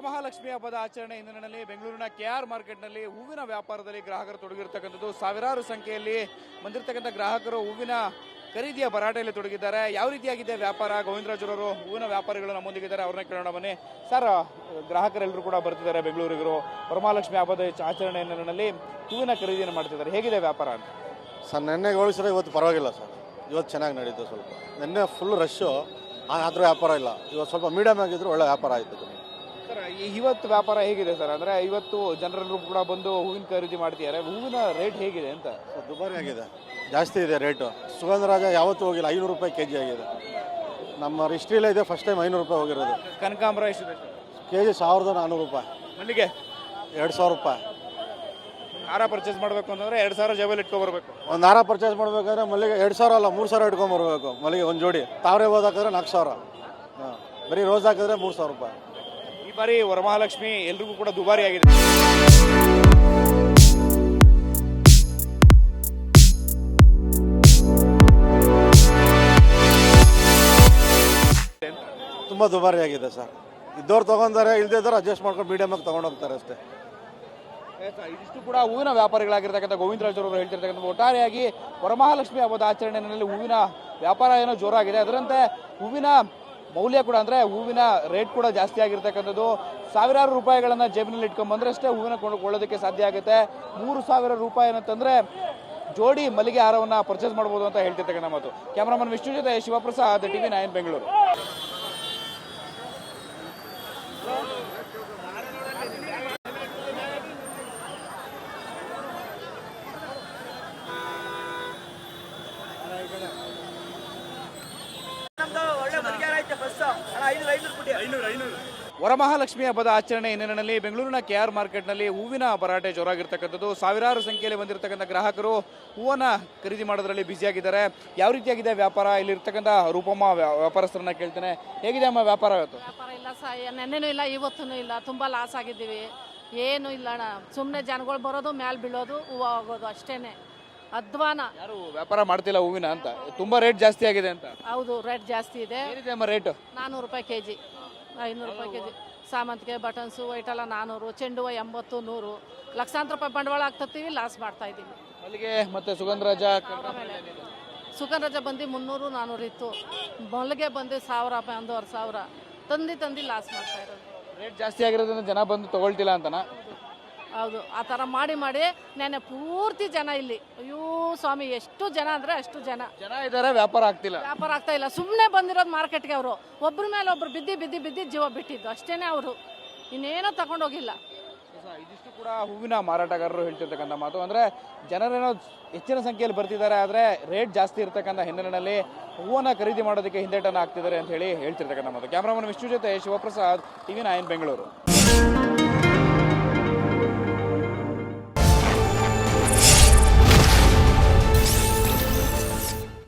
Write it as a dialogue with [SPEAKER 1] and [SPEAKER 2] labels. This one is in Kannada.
[SPEAKER 1] ವರಮಹಾಲಕ್ಷ್ಮಿ ಹಬ್ಬದ ಆಚರಣೆ ಹಿನ್ನೆಲೆಯಲ್ಲಿ ಬೆಂಗಳೂರಿನ ಕೆಆರ್ ಮಾರ್ಕೆಟ್ನಲ್ಲಿ ಹೂವಿನ ವ್ಯಾಪಾರದಲ್ಲಿ ಗ್ರಾಹಕರು ತೊಡಗಿರ್ತಕ್ಕಂಥದ್ದು. ಸಾವಿರಾರು ಸಂಖ್ಯೆಯಲ್ಲಿ ಬಂದಿರತಕ್ಕಂಥ ಗ್ರಾಹಕರು ಹೂವಿನ ಖರೀದಿಯ ಭರಾಟೆಯಲ್ಲಿ ತೊಡಗಿದ್ದಾರೆ. ಯಾವ ರೀತಿಯಾಗಿದೆ ವ್ಯಾಪಾರ? ಗೋವಿಂದರಾಜರವರು ಹೂವಿನ ವ್ಯಾಪಾರಿಗಳು ನಮ್ಮೊಂದಿಗಿದ್ದಾರೆ, ಅವ್ರನ್ನ ಕೇಳೋಣ ಬನ್ನಿ. ಸರ್, ಗ್ರಾಹಕರೆಲ್ಲರೂ ಕೂಡ ಬರ್ತಿದ್ದಾರೆ ಬೆಂಗಳೂರಿಗರು. ವರಮಹಾಲಕ್ಷ್ಮಿ ಹಬ್ಬದ ಆಚರಣೆ ಹಿನ್ನೆಲೆಯಲ್ಲಿ ಹೂವಿನ ಖರೀದಿಯನ್ನು ಮಾಡ್ತಿದ್ದಾರೆ. ಹೇಗಿದೆ ವ್ಯಾಪಾರ ಅಂತ?
[SPEAKER 2] ಸರ್, ನೆನ್ನೆಗೆ ಹೋಲಿಸಿದ್ರೆ ಇವತ್ತು ಪರವಾಗಿಲ್ಲ ಸರ್. ಇವತ್ತು ಚೆನ್ನಾಗಿ ನಡೀತು. ಸ್ವಲ್ಪ ನೆನ್ನೆ ಫುಲ್ ರಶ್ಶು, ಆದರೂ ವ್ಯಾಪಾರ ಇಲ್ಲ. ಇವತ್ತು ಸ್ವಲ್ಪ ಮೀಡಿಯಮ್ ಆಗಿದ್ರು ಒಳ್ಳೆ ವ್ಯಾಪಾರ ಆಯಿತು.
[SPEAKER 1] ಸರ್, ಇವತ್ತು ವ್ಯಾಪಾರ ಹೇಗಿದೆ ಸರ್? ಅಂದರೆ ಇವತ್ತು ಜನರೆಲ್ಲರೂ ಕೂಡ ಬಂದು ಹೂವಿನ ಖರೀದಿ ಮಾಡ್ತಿದ್ದಾರೆ. ಹೂವಿನ ರೇಟ್ ಹೇಗಿದೆ ಅಂತ?
[SPEAKER 2] ದುಬಾರಿ ಆಗಿದೆ, ಜಾಸ್ತಿ ಇದೆ ರೇಟು. ಸುಗಂಧರಾಜ ಯಾವತ್ತೂ ಹೋಗಿಲ್ಲ, 500 ರೂಪಾಯಿ ಕೆಜಿ ಆಗಿದೆ. ನಮ್ಮ ಹಿಸ್ಟ್ರಿಲೇ ಇದೆ, ಫಸ್ಟ್ ಟೈಮ್ 500 ರೂಪಾಯಿ ಹೋಗಿರೋದು.
[SPEAKER 1] ಕನಕಾಂಬರ ಎಷ್ಟಿದೆ ಸರ್?
[SPEAKER 2] ಕೆಜಿ 1400 ರೂಪಾಯಿ.
[SPEAKER 1] ಮಲ್ಲಿಗೆ
[SPEAKER 2] 2000 ರೂಪಾಯಿ.
[SPEAKER 1] ಹಾರ ಪರ್ಚೇಸ್ ಮಾಡಬೇಕು ಅಂತಂದರೆ 2000 ಜೇಬಲ್ಲಿ ಇಟ್ಕೊಬರ್ಬೇಕು.
[SPEAKER 2] ಒಂದು ಹಾರ ಪರ್ಚೇಸ್ ಮಾಡಬೇಕಾದ್ರೆ ಮಲ್ಲಿಗೆ 2000 ಅಲ್ಲ 3000 ಇಟ್ಕೊಂಬರ್ಬೇಕು. ಮಲ್ಲಿಗೆ ಒಂದು ಜೋಡಿ. ತಾವರೆ ಹೋದ್ ಹಾಕಿದ್ರೆ 4000. ಹಾಂ, ಬರೀ ರೋಸ್ ಹಾಕಿದ್ರೆ 3000 ರೂಪಾಯಿ.
[SPEAKER 1] ಈ ಬಾರಿ ವರಮಹಾಲಕ್ಷ್ಮಿ ಎಲ್ರಿಗೂ ಕೂಡ ದುಬಾರಿ ಆಗಿದೆ.
[SPEAKER 2] ತುಂಬ ದುಬಾರಿ ಆಗಿದೆ ಸರ್. ಇದ್ದವ್ರು ತೊಗೊಂತಾರೆ, ಇಲ್ದಿದ್ದವ್ರು ಅಡ್ಜಸ್ಟ್ ಮಾಡ್ಕೊಂಡು ಮೀಡಿಯಮಾಗಿ ತೊಗೊಂಡು ಹೋಗ್ತಾರೆ ಅಷ್ಟೇ.
[SPEAKER 1] ಇದಿಷ್ಟು ಕೂಡ ಹೂವಿನ ವ್ಯಾಪಾರಿಗಳಾಗಿರ್ತಕ್ಕಂಥ ಗೋವಿಂದರಾಜರವರು ಹೇಳ್ತಿರ್ತಕ್ಕಂಥ ಒಟ್ಟಾರೆಯಾಗಿ ವರಮಹಾಲಕ್ಷ್ಮಿ ಹಬ್ಬದ ಆಚರಣೆಯಲ್ಲಿ ಹೂವಿನ ವ್ಯಾಪಾರ ಏನೋ ಜೋರಾಗಿದೆ. ಅದರಂತೆ ಹೂವಿನ ಮೌಲ್ಯ ಕೂಡ, ಅಂದರೆ ಹೂವಿನ ರೇಟ್ ಕೂಡ ಜಾಸ್ತಿ ಆಗಿರ್ತಕ್ಕಂಥದ್ದು. ಸಾವಿರಾರು ರೂಪಾಯಿಗಳನ್ನು ಜೇಬಿನಲ್ಲಿ ಇಟ್ಕೊಂಡ್ಬಂದ್ರೆ ಅಷ್ಟೇ ಹೂವಿನ ಕೊಳ್ಳೋದಕ್ಕೆ ಸಾಧ್ಯ ಆಗುತ್ತೆ. 3000 ರೂಪಾಯಿ ಅಂತಂದರೆ ಜೋಡಿ ಮಲ್ಲಿಗೆ ಹಾರವನ್ನು ಪರ್ಚೇಸ್ ಮಾಡ್ಬೋದು ಅಂತ ಹೇಳ್ತಿರ್ತಕ್ಕಂಥ ಮಾತು. ಕ್ಯಾಮರಾಮನ್ ವಿಷ್ಣು ಜೊತೆ ಶಿವಪ್ರಸಾದ್, TV9 ಬೆಂಗಳೂರು. ವರಮಹಾಲಕ್ಷ್ಮಿ ಹಬ್ಬದ ಆಚರಣೆ ಹಿನ್ನೆಲೆಯಲ್ಲಿ ಬೆಂಗಳೂರಿನ ಕೆಆರ್ ಮಾರ್ಕೆಟ್ನಲ್ಲಿ ಹೂವಿನ ಭರಾಟೆ ಜೋರಾಗಿರ್ತಕ್ಕಂಥದ್ದು. ಸಾವಿರಾರು ಸಂಖ್ಯೆಯಲ್ಲಿ ಬಂದಿರತಕ್ಕಂಥ ಗ್ರಾಹಕರು ಹೂವನ್ನ ಖರೀದಿ ಮಾಡೋದ್ರಲ್ಲಿ ಬ್ಯುಸಿಯಾಗಿದ್ದಾರೆ. ಯಾವ ರೀತಿಯಾಗಿದೆ ವ್ಯಾಪಾರ? ಇಲ್ಲಿರ್ತಕ್ಕಂಥ ರೂಪಮ್ಮ ವ್ಯಾಪಾರಸ್ಥರನ್ನ ಕೇಳ್ತೇನೆ. ಹೇಗಿದೆ ಅಮ್ಮ ವ್ಯಾಪಾರ ಇವತ್ತು?
[SPEAKER 3] ವ್ಯಾಪಾರ ಇಲ್ಲ ಸರ್, ನೆನ್ನೆನೂ ಇಲ್ಲ, ಇವತ್ತೂ ಇಲ್ಲ. ತುಂಬ ಲಾಸ್ ಆಗಿದ್ದೀವಿ. ಏನು ಇಲ್ಲ ಅಣ್ಣ, ಸುಮ್ಮನೆ ಜನಗಳು ಬರೋದು, ಮೇಲೆ ಬೀಳೋದು, ಹೂವು ಆಗೋದು ಅಷ್ಟೇನೆ. ಅಧ್ವಾನ.
[SPEAKER 1] ಯಾರು ವ್ಯಾಪಾರ ಮಾಡ್ತಿಲ್ಲ ಹೂವಿನ ಅಂತ? ತುಂಬಾ ರೇಟ್ ಜಾಸ್ತಿ ಆಗಿದೆ ಅಂತ?
[SPEAKER 3] ಹೌದು, ರೇಟ್ ಜಾಸ್ತಿ ಇದೆ.
[SPEAKER 1] ಏನಿದೆ ಅಮ್ಮ ರೇಟ್?
[SPEAKER 3] 400 ರೂಪಾಯಿ ಕೆಜಿ, 500 ರೂಪಾಯಿ ಕೆಜಿ. ಸಾಮಂತಿಗೆ, ಬಟನ್ಸು, ವೈಟೆಲ್ಲ 400, ಚೆಂಡು ಹೂವು 80, 100. ಲಕ್ಷಾಂತರ ರೂಪಾಯಿ ಬಂಡವಾಳ ಹಾಕ್ತೀವಿ, ಲಾಸ್ ಮಾಡ್ತಾ ಇದ್ದೀವಿ.
[SPEAKER 1] ಮಲ್ಲಿಗೆ ಮತ್ತೆ ಸುಗಂಧರಾಜ
[SPEAKER 3] ಸುಗಂಧರಾಜ ಬಂದು 300, 400 ಇತ್ತು. ಮಲ್ಲಿಗೆ ಬಂದು 1000 ರೂಪಾಯಿ, 1500 ತಂದು ಲಾಸ್ ಮಾಡ್ತಾ ಇರೋದು.
[SPEAKER 1] ರೇಟ್ ಜಾಸ್ತಿ ಆಗಿರೋದ್ರಿಂದ ಜನ ಬಂದು ತಗೊಳ್ತಿಲ್ಲ ಅಂತನಾ?
[SPEAKER 3] ಹೌದು, ಆ ಥರ ಮಾಡಿ ನೆನ್ನೆ ಪೂರ್ತಿ ಜನ ಇಲ್ಲಿ. ಅಯ್ಯೋ ಸ್ವಾಮಿ, ಎಷ್ಟು ಜನ ಅಂದರೆ ಅಷ್ಟು ಜನ
[SPEAKER 1] ಇದ್ದಾರೆ, ವ್ಯಾಪಾರ ಆಗ್ತಿಲ್ಲ.
[SPEAKER 3] ವ್ಯಾಪಾರ ಆಗ್ತಾ ಇಲ್ಲ. ಸುಮ್ಮನೆ ಬಂದಿರೋದು ಮಾರ್ಕೆಟ್ಗೆ. ಅವರು ಒಬ್ಬರ ಮೇಲೆ ಒಬ್ರು ಬಿದ್ದು ಜೀವ ಬಿಟ್ಟಿದ್ದು ಅಷ್ಟೇನೆ. ಅವರು ಇನ್ನೇನೋ ತಗೊಂಡೋಗಿಲ್ಲ.
[SPEAKER 1] ಇದಿಷ್ಟು ಕೂಡ ಹೂವಿನ ಮಾರಾಟಗಾರರು ಹೇಳ್ತಿರ್ತಕ್ಕಂಥ ಮಾತು. ಅಂದರೆ ಜನರೇನೋ ಹೆಚ್ಚಿನ ಸಂಖ್ಯೆಯಲ್ಲಿ ಬರ್ತಿದ್ದಾರೆ, ಆದರೆ ರೇಟ್ ಜಾಸ್ತಿ ಇರ್ತಕ್ಕಂಥ ಹಿನ್ನೆಲೆಯಲ್ಲಿ ಹೂವನ್ನ ಖರೀದಿ ಮಾಡೋದಕ್ಕೆ ಹಿಂದೇಟನ್ನು ಹಾಕ್ತಿದ್ದಾರೆ ಅಂತ ಹೇಳಿ ಹೇಳ್ತಿರ್ತಕ್ಕಂಥ ಮಾತು. ಕ್ಯಾಮ್ರಾಮನ್ ವಿಷ್ಣು ಜೊತೆ ಶಿವಪ್ರಸಾದ್, TV9 ಬೆಂಗಳೂರು.